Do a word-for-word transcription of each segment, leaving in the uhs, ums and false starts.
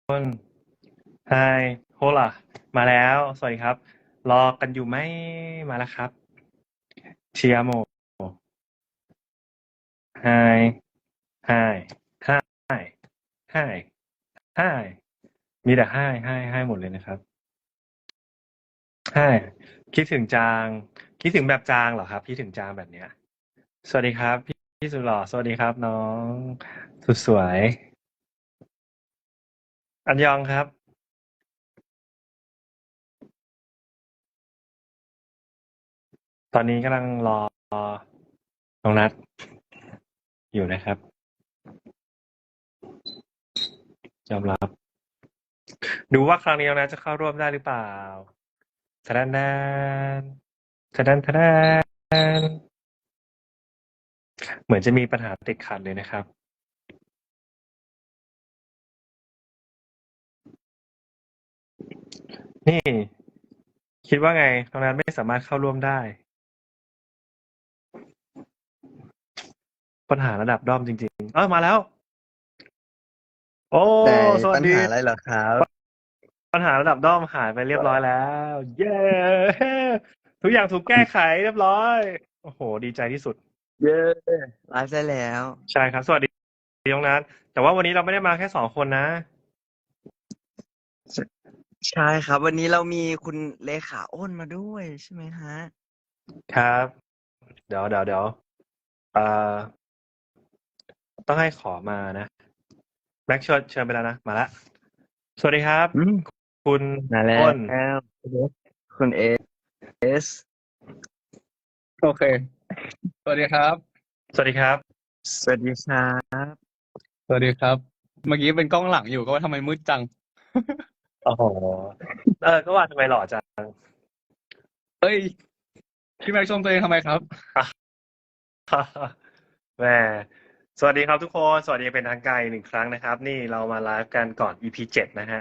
นไฮโฮล่ะมาแล้ว สวัสดีครับ รอกันอยู่ไหม มาแล้วครับเชียโมไฮไฮไฮไฮไฮมีแต่ไฮไฮไฮหมดเลยนะครับไฮคิดถึงจาง คิดถึงแบบจางเหรอครับ คิดถึงจางแบบเนี้ย สวัสดีครับพี่พี่สุดหล่อ สวัสดีครับน้องสุดสวย อันยองครับ ตอนนี้กำลังรอน้องนัดอยู่นะครับ ยอมรับ ดูว่าครั้งนี้น้องนัดจะเข้าร่วมได้หรือเปล่าทะดันดนทะดันทะดันเหมือนจะมีปัญหาติดขัดเลยนะครับ นี่ คิดว่าไงน้องนัดไม่สามารถเข้าร่วมได้ ปัญหาระดับด้อมจริงๆ เออมาแล้ว โอ้แต่สวัปัสญดีหาอะไรเหรอครับปัญหาระดับด้อมหายไปเรียบร้อยแล้ว เย้ ทุกอย่างถูกแก้ไขเรียบร้อย โอ้โห ดีใจที่สุดเย้ไลฟ์ได้แล้วใช่ครับ สวัสดีน้องนัทแต่ว่าวันนี้เราไม่ได้มาแค่สองคนนะใช่ครับ วันนี้เรามีคุณเลขาอ้นมาด้วยใช่ไหมฮะครับ เดี๋ยวเดี๋ยวเดี๋ยวเอ่อต้องให้ขอมานะแม็กเชิญเชิญไปแล้วนะ มาละ สวัสดีครับอืมคุณมาแล้อ้นว คุณเอสโอเค สวัสดีครับสวัสดีครับสวัสดีครับสวัสดีครับ เมื่อกี้เป็นกล้องหลังอยู่ก็ว่าทำไมมืดจังโอ้โห เออ ก็ว่าทำไมหล่อจังเอ้ย พี่แม็กชมตัวเองทำไมครับแหมสวัสดีครับทุกคน สวัสดีเป็นทางการอีกหนึ่งครั้งนะครับ นี่เรามาไลฟ์กันก่อน อี พี เจ็ดนะฮะ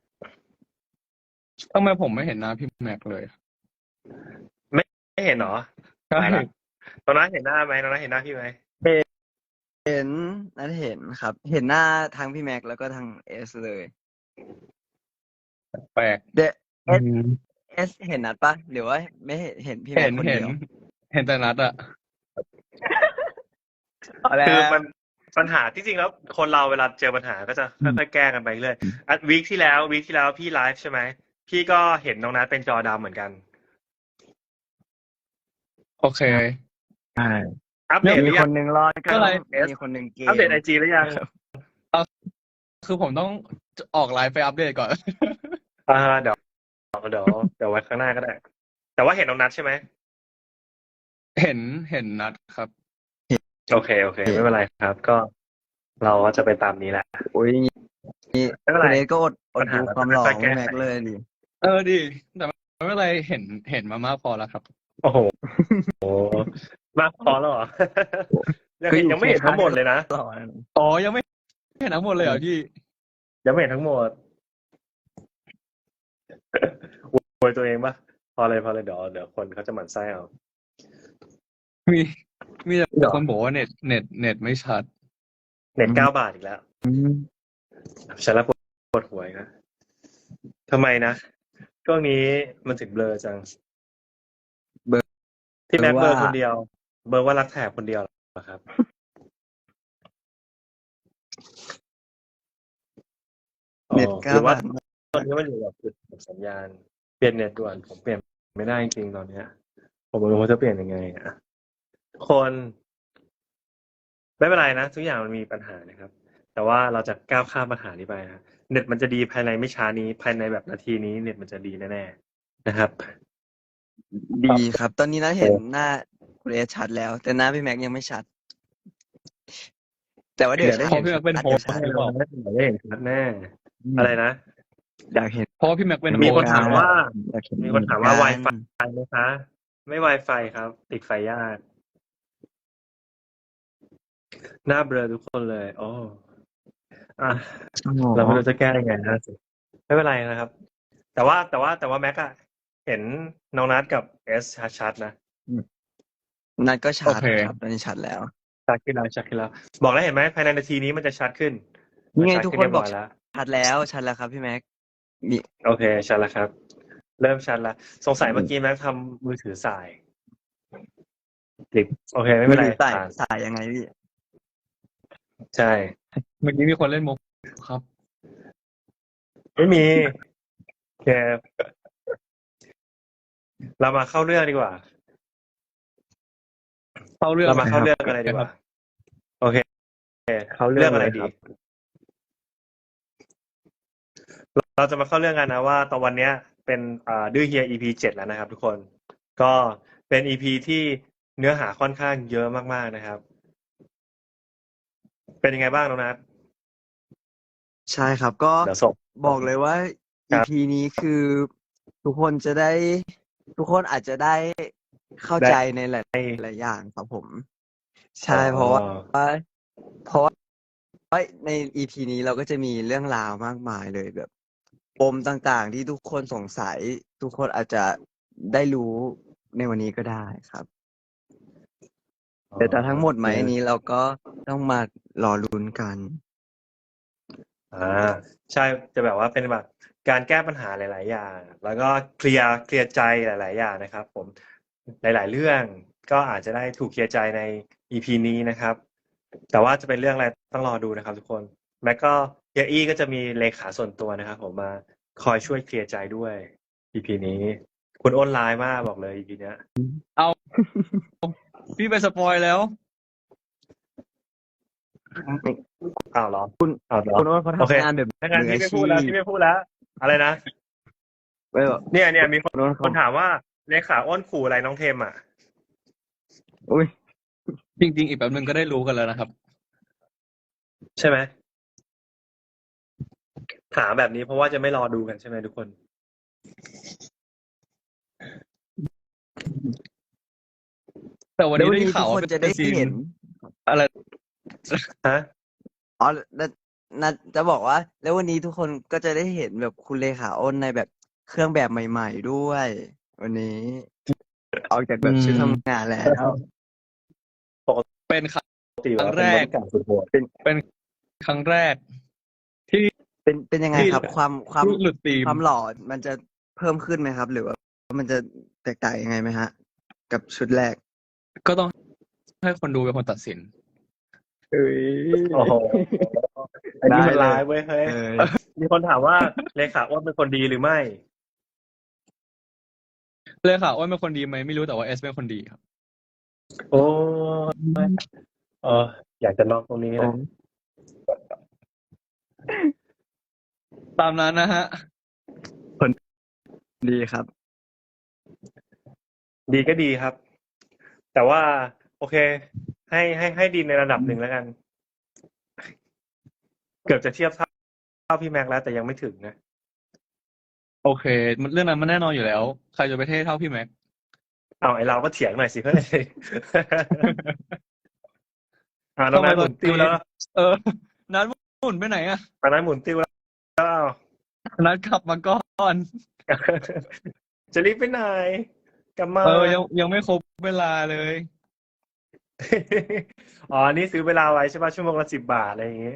ทำไมผมไม่เห็นหน้าพี่แม็กเลยไม่เห็นเหรอใช่ตายละตอนนั้นเห็นหน้าไหมตอนนั้นเห็นหน้าพี่ไหมเห็นนัดเห็นครับ เห็นหน้าทั้งพี่แม็กแล้วก็ทั้งเอสเลยแปลกเดเออืสมเอสเห็นนัดปะหรือว่าไม่เห็นเห็นพี่เห็แม็กนคนเห็เดีนยวเห็นแต่นัดอะเอาแล้คือวมันปัญหาที่จริงแล้วคนเราเวลาเจอปัญหาก็จะค่อยๆแก้กันไปเรื่อยอ่ะวีคที่แล้ววีคที่แล้วพี่ไลฟ์ใช่ไหมพี่ก็เห็นน้องนัทเป็นจอดำเหมือนกันโอเคใช่อัปเดตหมีรือคยังนหนึ่งรอดก็อะไรมีคนหนึ่งเกมอัปเดตไอจีหรือยังคือผมต้องออกไลฟ์ไปอัปเดตก่อนอ่าเดี๋ยวเดี๋ยวเดี๋ยวไว้ข้างหน้าก็ได้ แต่ว่าเห็นน้องนัทใช่ไหมเห็นเห็นนัดครับโอเคโอเค ไม่เป็นไรครับ ก็เราก็จะไปตามนี้แหละโอ้ยนี่ไม่เป็นคุไรณเอสก็อดอปัดญหาดูเราความจะหล่อค่อยๆขแก้องแม็กไขเลยดิเออดีแต่ไม่เป็นไรเห็นเห็นมามากพอแล้วครับโอ้โหโอ้มากพอแล้วเหรอ ยังเห็นยังไม่เห็นทั้งหมดเลยนะหล่อนะอ๋อ ยังไม่เห็นทั้งหมดเลยเหรอพี่ยังไม่เห็นทั้งหมด อวยตัวเองปะพอเลยพอเลยเดี๋ยวเดี๋ยวคนเขาจะหมั่นไส้เอามีมีแต่คนบอกว่าเน็ตเน็ตเน็ตไม่ชัดเน็ตเก้าบาทอีกแล้วอืมฉันละปวดปวดหัวอีกนะทำไมนะช่วงนี้มันถึงเบลอจังเบลอที่แม็กว่าเบลอคนเดียว เบลอว่ารักแถบคนเดียวเหรอครับเน็ตอ๋อเก้าหรือว่าบาทตอนนี้มันอยู่แบบจุดสัญญาณ เปลี่ยนเน็ตด่วนผมเปลี่ยนไม่ได้จริงๆตอนเนี้ย ผมไม่รู้ว่าจะเปลี่ยนยังไงอ่ะคน ไม่เป็นไรนะทุกอย่างมันมีปัญหานะครับ แต่ว่าเราจะก้าวข้ามปัญหานี้ไปนะเน็ตมันจะดีภายในไม่ช้านี้ ภายในแบบนาทีนี้เน็ตมันจะดีแน่ๆนะครับดีครับ ตอนนี้นะเห็นหน้าคุณเอสชัดแล้ว แต่หน้าพี่แม็กยังไม่ชัด แต่ว่าเดี๋ยวได้เพเห็ราะนพี่แม็กเป็นชัดโฮเดี๋ยสวชัดต์หรือเปล่าได้เห็นชัดแน่อะไรนะอยากเห็นเพราะว่าพี่แม็กเป็นโฮมีสคนต์ถามว่าอยากเห็นมีคนถามว่าเหมือน Wi-Fi ไหมคะ ไม่ Wi-Fi ครับ ติดไฟยาก หน้าเบลอทุกคนเลย โอ้อ่ะอ๋อเราไม่รู้จะแก้ยังไงนะสิไม่เป็นไรนะครับ แต่ว่าแต่ว่าแต่ว่าแม็กอะเห็นน้องนัทกับเอสชัดๆนะนัดก็ชัโอดเคครับตอนนี้ชัดแล้วชัดขึ้นแล้วชัดขึ้นแล้ว บอกแล้วเห็นไหมภายในนาทีนี้มันจะชัดขึ้นนี่ไงมัชัดทุกขึ้คนเรียบอกร้ยแล้วชัดแล้วชัดแล้วครับพี่แม็กมีโอเคชัดแล้วครับ เริ่มชัดแล้วสงสัยเมื่อกี้แม็กทำมือถือสายติดโอเคไม่มืเป็อนไรถือสายผ่านสายยังไงพี่ใช่เมื่อกี้มีคนเล่นมุกครับไม่มีโอเคเรามาเข้าเรื่องดีกว่าเข้าเรื่องเรามาเข้าลยเรื่องคบอะไรดีกว่าครับโอเคเข้าเรื่เรื่ออง งอะไรเลยดีครับเราจะมาเข้าเรื่องกันนะว่าตอนวันเนี้ยเป็นอ่าดื้อเฮีย อี พี เจ็ดแล้วนะครับ ทุกคน ก็เป็น อี พี ที่เนื้อหาค่อนข้างเยอะมากๆนะครับ เป็นยังไงบ้างน้องนัทใช่ครับก็เดี๋ยวส่งบอกเลยว่าครัอีบพี นี้คือทุกคนจะได้ ทุกคนอาจจะได้เข้าได้ใจในหลายหลายอย่างครับผม ใช่อ๋อเพราะว่า เพราะว่าใน อี พี นี้เราก็จะมีเรื่องราวมากมายเลยแบบปมต่างๆ ที่ทุกคนสงสัย ทุกคนอาจจะได้รู้ในวันนี้ก็ได้ครับ แต่จะทั้งหมดไหมอันนี้เราก็ต้องมารอลุ้นกันอ่าใช่จะแบบว่าเป็นแบบการแก้ปัญหาหลาย ๆ อย่าง แล้วก็เคลียร์เคลียร์ใจหลาย ๆ อย่างนะครับ ผมหลาย ๆ เรื่องก็อาจจะได้ถูกเคลียร์ใจใน อี พี นี้นะครับ แต่ว่าจะเป็นเรื่องอะไรต้องรอดูนะครับ ทุกคนแม็กก็เฮียอี้ก็จะมีเลขาส่วนตัวนะครับ ผมมาคอยช่วยเคลียร์ใจด้วย อี พี นี้ คุณอ้นร้ายมากบอกเลย อี พี เนี้ยพี่ไปสปอยแล้วอ้าวเหรอคุณอ้าวเหรอคุณโอ้นเขาโอเคทำงานแบบถ้างั้นมือพี่อาไม่ชีพูดแล้วพพี่ไม่พูดแล้ว อะไรนะไม่แบบเนี่ยเนี่ยมีคนคุณโอ้นคเขานถามว่าเลขาอ้นขู่อะไรน้องเทมอ่ะอุ้ยจริง ๆ อีกแป๊บนึงก็ได้รู้กันแล้วนะครับใช่ไหมถามแบบนี้เพราะว่าจะไม่รอดูกันใช่ไหมทุกคนแต่วันแล้วนี้วันได้นี้ข่าทุวกว่าคนเป็นจะได้ซีนเห็นอะไรฮะอ๋อแล้วนะจะบอกว่า แล้ววันนี้ทุกคนก็จะได้เห็นแบบคุณเลขาอ้นในแบบเครื่องแบบใหม่ ๆ ด้วย วันนี้ ออกจากแบบชุดอืมทำงานแล้วเป็นครั้งปกติครั้ว่าง เป็นแรบกริการสุดโหดเป็นครั้งแรก ที่เป็นเป็นยังไงที่ครับ ความความที่หลุดธีมความหล่อมันจะเพิ่มขึ้นไหมครับ หรือว่ามันจะแตกต่างยังไงไหมฮะ กับชุดแรกก็ต้องให้คนดูเป็นคนตัดสินเอ้ยโอ้โหอันนี้มันได้เลยร้ายเว้ยเฮ้ยเออมีคนถามว่าเลขาอ้นเป็นคนดีหรือไม่เลยค่ะว่าเป็นคนดีไหมไม่รู้แต่ว่าเอสเป็นคนดีครับโอ้ยเอออยากจะนอกตรงนี้เลยตามนั้นนะฮะดีครับดีก็ดีครับ แต่ว่า โอเค ให้ให้ให้ดีในระดับหนึ่งแล้วกัน เกือบจะเทียบเท่าเท่าพี่แม็กซ์แล้วแต่ยังไม่ถึงนะโอเค มันเรื่องนั้นมันแน่นอนอยู่แล้ว ใครจะไปเท่เท่าพี่แม็กเอาไอเราก็เถียงหน่อยสิเพื่อน อ่าน้องนัทหมุนติ้วแล้วเออ นัดหมุนไปไหนอะตอนนั้นหมุนติ้วแล้วนัดกลับมาก่อนจะรีบไปไหนกลับมาเออยังยังไม่ครบเวลาเลยอ๋อ นี่ซื้อเวลาไว้ใช่ป่ะชั่วโมงละสิบบาทอะไรอย่างงี้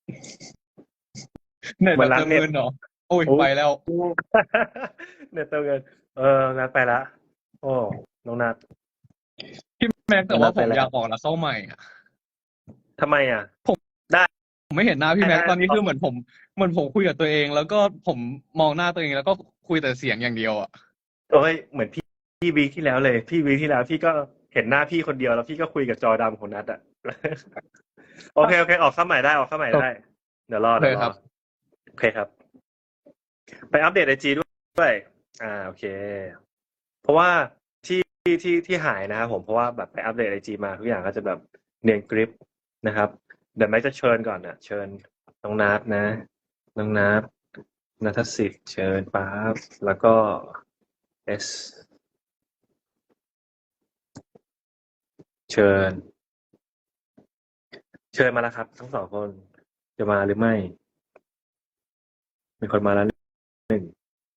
เน็ตเหมืแบอนบร้านเติมเน็ตเงินเหรอ โอ้ยโอ้ไปแล้วเน็ตเติมเงิน เออนัดไปละ โอ้น้องนัดพี่แม็กแต่ว่านัดผไปมแล้วอยากออกแล้วเข้าใหม่อะทำไมอ่ะผมไม่เห็นหน้าพี่แม็กได้ตอนนี้คือเหมือนผมเหมือนผมคุยกับตัวเอง แล้วก็ผมมองหน้าตัวเองแล้วก็คุยแต่เสียงอย่างเดียวอะโอ้ยเหมือนพี่พี่วีคที่แล้วเลย พี่วีคที่แล้วพี่ก็เห็นหน้าพี่คนเดียวแล้วพี่ก็คุยกับจอดำของนัดอ่ะ โอเคโอเค ออกเข้าใหม่ได้ออกเข้าใหม่ได้ เดี๋ยวรอโอเคเดี๋ยวรครัอบ โอเคครับ ไปอัปเดตไอจีด้วย อ่าโอเค เพราะว่าที่ที่ที่ที่หายนะครับผมเพราะว่าแบบไปอัปเดตไอจีมาทุกอย่างก็จะแบบเนียนกริปนะครับ เดี๋ยวแม็กจะเชิญก่อนนะเชิญน้องนัทนะน้องนัทนัทสิทธิ์เชิญป๊าบแล้วก็เอสเชิญ เชิญมาแล้วครับ ทั้งสองคนจะมาหรือไม่ มีคนมาแล้วหนึ่ง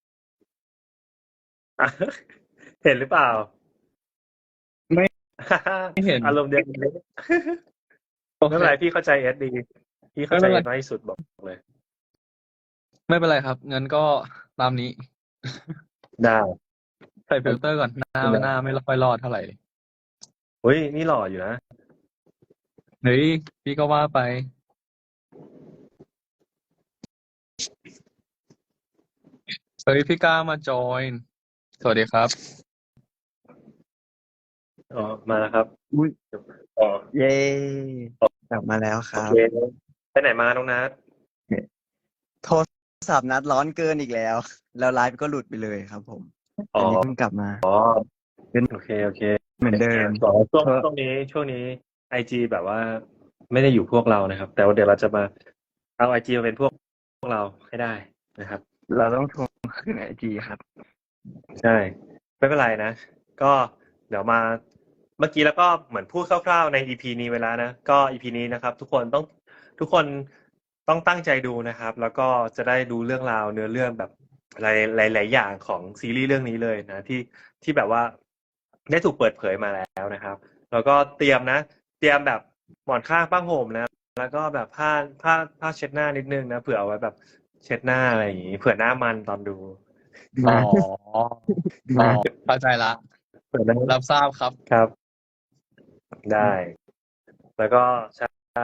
อ่ะ เห็นหรือเปล่าไม่ ไม่เห็นอารมณ์เดียวกันเลยโอไม่เคเป็นไรพี่เข้าใจเอสดี พี่เข้าใจไม่เอเป็นสไรน้อยที่สุดบอกเลยไม่เป็นไรครับ งั้นก็ตามนี้ได้ใส่ฟิลเตอร์ก่อน หน้าหน้าไม่ค่อยรอดเท่าไหร่เฮ้ยนี่หล่ออยู่นะเฮ้ย พี่ก็ว่าไป เฮ้ย พี่ก้ามาจอย สวัสดีครับอ๋อมาแล้วครับอุ้ยอ๋อเย้กลับมาแล้วคโอรับเคไปไหนมาน้องนัทโทรศัพท์นัดร้อนเกินอีกแล้ว แล้วไลฟ์ก็หลุดไปเลยครับผมอ๋ออันนี้เพิ่งกลับมาอ๋อโอเคโอเคเหมือนเดิมต่อช่วงเออช่วงนี้ช่วงนี้ไอจีแบบว่าไม่ได้อยู่พวกเรานะครับ แต่ว่าเดี๋ยวเราจะมาเอาไอจีมาเป็นพวกพวกเราให้ได้นะครับเราต้องทวงคืนไอจีครับใช่ไม่เป็นไรนะ ก็เดี๋ยวมาเมื่อกี้แล้วก็เหมือนพูดคร่าวๆใน อี พี นี้ไว้แล้วนะก็ อี พี นี้นะครับ ทุกคนต้องทุกคนต้องตั้งใจดูนะครับ แล้วก็จะได้ดูเรื่องราวเนื้อเรื่องแบบหลายหลายๆอย่างของซีรีส์เรื่องนี้เลยนะที่ที่แบบว่าได้ถูกเปิดเผยมาแล้วนะครับ แล้วก็เตรียมนะ เตรียมแบบหมอนข้างผ้าห่มนะ แล้วก็แบบผ้าผ้าผ้าเช็ดหน้านิดนึงนะเผื่อเอาไว้แบบเช็ดหน้าอะไรอย่างงี้เผื่อหน้ามันตอนดูอ๋อ อ๋อ เข้าใจละเผื่อหน้ารับทราบครับครับ ได้ แล้วก็ใช่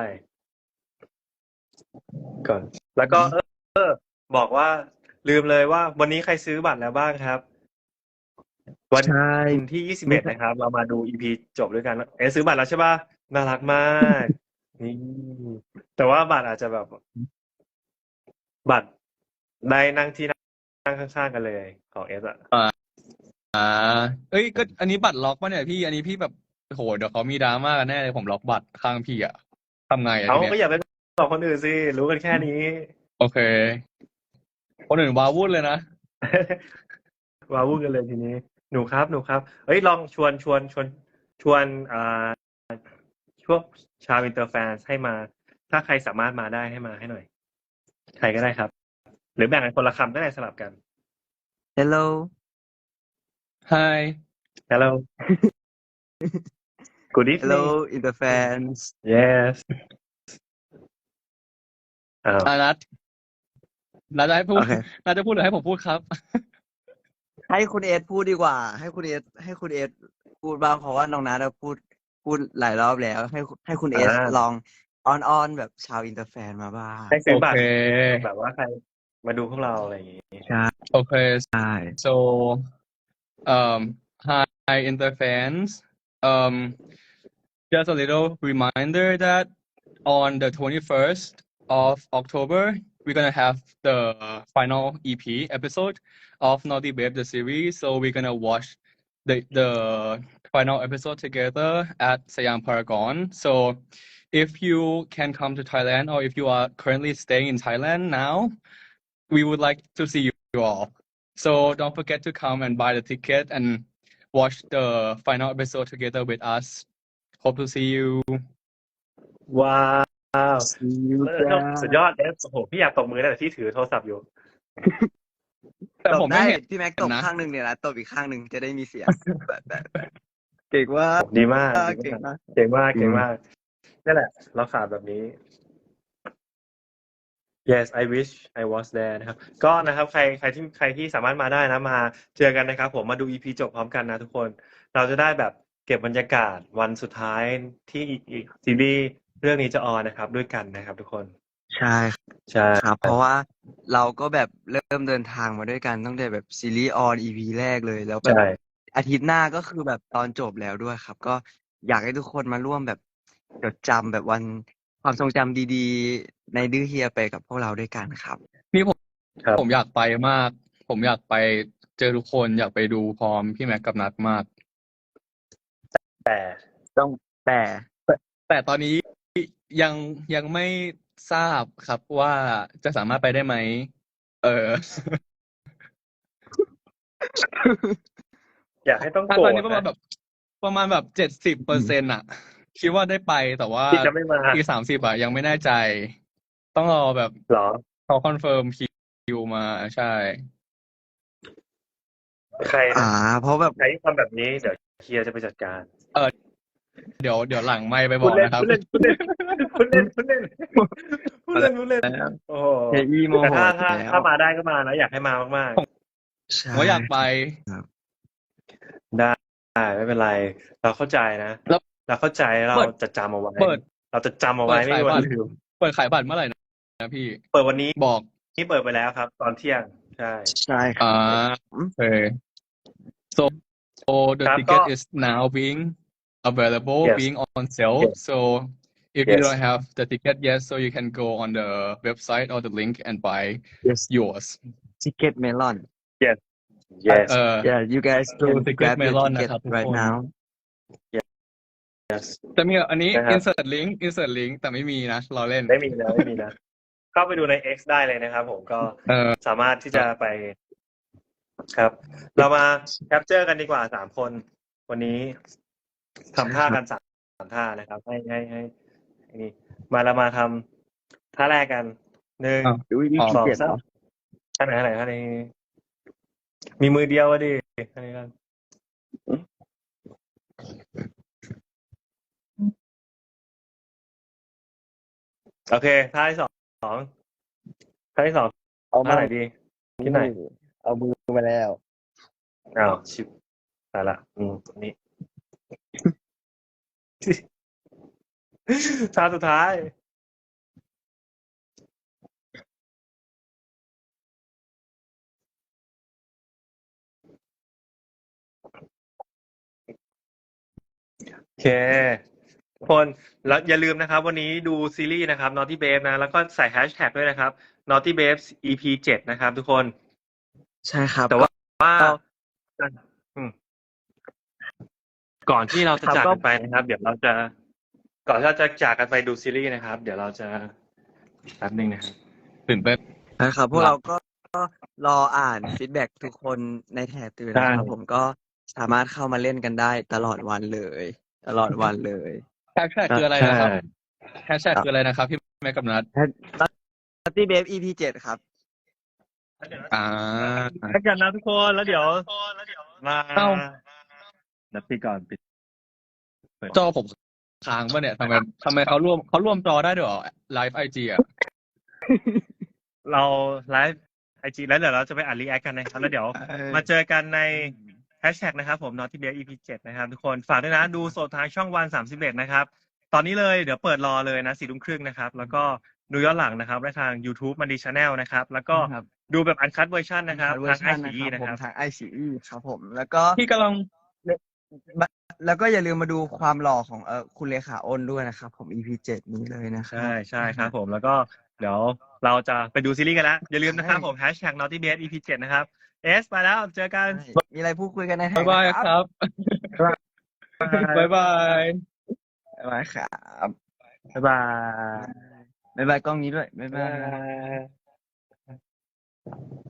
ก่อน แล้วก็เออเออ บอกว่าลืมเลยว่าวันนี้ใครซื้อบัตรแล้วบ้างครับ วันใช่ที่ยี่สิบเอ็ดนะครับ เรามาดู อี พี จบด้วยกัน เอ๊ะซื้อบัตรแล้วใช่ป่ะน่ารักมากนี่แต่ว่าบัตรอาจจะแบบ บัตรได้นั่งที่นั่งข้างๆกันเลยของเอสอะอ่า เอ้ย ก็อันนี้บัตรล็อกป่ะเนี่ยพี่ อันนี้พี่แบบโหเดี๋ยวเขามีดราม่ากันแน่เลยผมล็อกบัตรข้างพี่อะทำไงอะเอาทีเนี้ยก็อย่าไปบอกคนอื่นสิรู้กันแค่นี้โอเค คนอื่นว้าวุ่นเลยนะว้าวุ่นกันเลยทีนี้ หนูครับหนูครับเฮ้ยลองชวนชวนชวนชวนอ่าช่วงชาวอินเตอร์แฟนให้มา ถ้าใครสามารถมาได้ให้มาให้หน่อย ใครก็ได้ครับ หรือแบ่งกันคนละคำก็ได้สลับกัน Hello Hi Hello Good evening Hello Interfans Yes อ้าวอานัทนัทจะให้พูดโอเคนัทจะพูดหรือให้ผมพูดครับให้คุณเอสพูดดีกว่า ให้คุณเอสให้คุณเอสพูดบ้างเพราะว่าน้องนัทพูดพูดหลายรอบแล้ว ให้ให้คุณเอสอ่าลองออนออนแบบชาวอินเตอร์แฟนมาบ้างให้ซื้อบัตรโอเคแบบว่าใครมาดูพวกเราอะไรอย่างงี้ใช่ Okay, ใช่ so um, hi, Inter fans. Um, just a little reminder that on the twenty-first of October, we're gonna have the final E P episode of Naughty Babe the series. So we're gonna watch the the final episode together at Siam Paragon. So if you can come to Thailand or if you are currently staying in Thailand now, we would like to see you all. So don't forget to come and buy the ticket and watch the final episode together with us. Hope to see you. ว้าว See you เลิศจ้าสุดยอดเอสโอ้โหพี่อยากตบมือนะแต่พี่ถือโทรศัพท์อยู่แต่ตผบมไม่ได้เห็นพี่แม็กตบนะข้างหนึ่งเนี่ยนะตบอีกข้างหนึ่งจะได้มีเสียง แบบแบบแบบเก่งว่าดีมากเก่งมากเก่งมากอืมเก่งมากนั่นแหละ เราขาดแบบนี้ Yes I wish I was there นะครับ ก็นะครับใครใครที่ใครที่สามารถมาได้นะมาเจอกันนะครับ ผมมาดู อี พี จบพร้อมกันนะทุกคน เราจะได้แบบเก็บบรรยากาศวันสุดท้ายที่อีกซีรีส์เรื่องนี้จะออนนะครับ ด้วยกันนะครับ ทุกคนใช่ใช่ครับ เพราะว่าเราก็แบบเริ่มเดินทางมาด้วยกันตั้งแต่แบบซีรีส์ออน อี พี แรกเลยแล้วแบบใช่อาทิตย์หน้าก็คือแบบตอนจบแล้วด้วยครับ ก็อยากให้ทุกคนมาร่วมแบบจดจำแบบวันความทรงจำดีๆ ในดื้อเฮียไปกับพวกเราด้วยกันครับนี่ผมครับผมอยากไปมาก ผมอยากไปเจอทุกคนอยากไปดูพร้อมพี่แม็กกับนัทมากแต่ต้องแต่แต่ตอนนี้ยังยังไม่ทราบครับว่าจะสามารถไปได้ไหม เอออยากให้ต้องถ้าโกรตอนธนี้ประมาณนะแบบประมาณแบบเจ็ดสิบเปอร์เซ็นต์อะคิดว่าได้ไปแต่ว่าที่จะไม่มาอีกสามสิบอะยังไม่แน่ใจ ต้องรอแบบเหรอเขาคอนเฟิร์มคิวมาใช่ใครอ่านะเพราะแบบใครที่ทำแบบนี้เดี๋ยวเฮียจะไปจัดการเดี๋ยวเดี๋ยวหลังไมค์ไปบพูอดกเล่นนะครับพูดเล่นพูดเล่นพูดเล่นพูดเล่นพูดเล่นพูดเล่นโอ้โหเฮอี้โมแต่โหถ้าถ้าแล้วถ้ามาได้ก็มานะอยากให้มามากใช่ผมว่าอยากไปๆได้ไม่เป็นไร เราเข้าใจนะแล้วเราเข้าใจเราเปิดจะจำเอาไว้เปิดเราจะจำเอาเปิไว้ดไม่ขายมีวับันตรลืมเปิดขายบัตรเมื่อไหร่นะพี่เปิดวันนี้บอกนี่เปิดไปแล้วครับ ตอนเที่ยง ใช่ใช่ครัอ่าบโอเค so so the ครับ ticket ก็ is now being available Yes. being on sale Yes. so if you Yes. don't have the ticket yet so you can go on the website or the link and buy yes yours ticket melon yes เอ่อ yeah you guys So can Ticket grab your Melon ticket นะครับทุก right คน now yes จะมีอันนี้นะครับ insert link insert link แต่ไม่มีนะเราเล่นไม่มีนะไม่มีนะ เข้าไปดูใน X ได้เลยนะครับผมก็เออสามารถที่จะไปครับ เรามาแคปเจอร์กันดีกว่าสามคน วันนี้ทำท่ากันสามสามท่านะครับ ให้ให้ให้ให้นี่มาเรามาทำท่าแรกกันหนึ่งอ้าวดูอ๋อสองเจ็ดสามท่าไหนท่าไหนท่านี้มีมือเดียวอะดิท่านี้กันโอเคท่าที่สองท่าที่สองเอาท่ามาไหนดีที่ไหนเอามือมาแล้วอ้าวชิบตายละอืมนี่ ท่าสุดท้าย โอเคทุกคนแล้วอย่าลืมนะครับ วันนี้ดูซีรีส์นะครับ Naughty Babe นะ แล้วก็ใส่แฮชแท็กด้วยนะครับ Naughty Babes อี พี เจ็ดนะครับ ทุกคนใช่ครับแต่ว่าว่าก็อืมก่อนที่เราจะครับจากก็กันไปนะครับ เดี๋ยวเราจะ ก่อนที่เราจะจากกันไปดูซีรีส์นะครับ เดี๋ยวเราจะแป๊บนึงนะครับตื่นเต้นนะครับพวกเราก็ก็รออ่านฟีดแบ็กทุกคนในแถบตื่นนะครับใช่ผมก็สามารถเข้ามาเล่นกันได้ตลอดวันเลย ตลอดวันเลยแฮชแท็กคืออะไรนะครับแฮชแท็กคืออะไรนะครับพี่แม่กับนัท Naughty Babe อี พี เจ็ดครับอ่าแล้วกันนะทุกคนแล้วเดี๋ยวมาเอ้านัดปีก่อนปิดจอผมค้างป่ะเนี่ยทำไมทำไมเขาร่วมเขาร่วมจอได้ด้วยเหรอไลฟ์ไอจีอ่ะเราไลฟ์ไอจีแล้วเดี๋ยวเราจะไปอ่านรีแอคกันนะครับแล้วเดี๋ยว มาเจอกันในแฮชแท็กนะครับผม Naughty Babe อี พี เจ็ดนะครับทุกคนฝากด้วยนะดูสดทางช่องวันสามสิบเอ็ดนะครับ ตอนนี้เลยเดี๋ยวเปิดรอเลยนะสี่ทุ่มครึ่งนะครับ แล้วก็ดูย้อนหลังนะครับได้ทาง YouTube มันดีชาแนลนะครับ แล้วก็ครับดูแบบอันคัตเวอร์ชันนะครับเวอทางร์ไอชันซีนะครับนะผคมรับทาง ไอ ซี อี ครับผม แล้วก็พี่กำลังแล้วก็อย่าลืมมาดูความหล่อของเออคุณเลขาอ้นด้วยนะครับ ผม อี พี เจ็ดนี้เลยนะครับใช่ใช่ครับผมแล้วก็เดี๋ยวเราจะไปดูซีรีส์กันแล้ว อย่าลืมนะครับผมแฮชแท็ก Naughty Babe อี พี เจ็ดนะครับเอสไปแล้วเจอกันใช่มีอะไรพูดคุยกันในแท็บ๊าก ยบายนะคครับรับบ๊ายบายบ๊ายบายครับบ๊ายบายบ๊ายบายกล้องนี้ด้วยบ๊ายบายบ๊ายบาย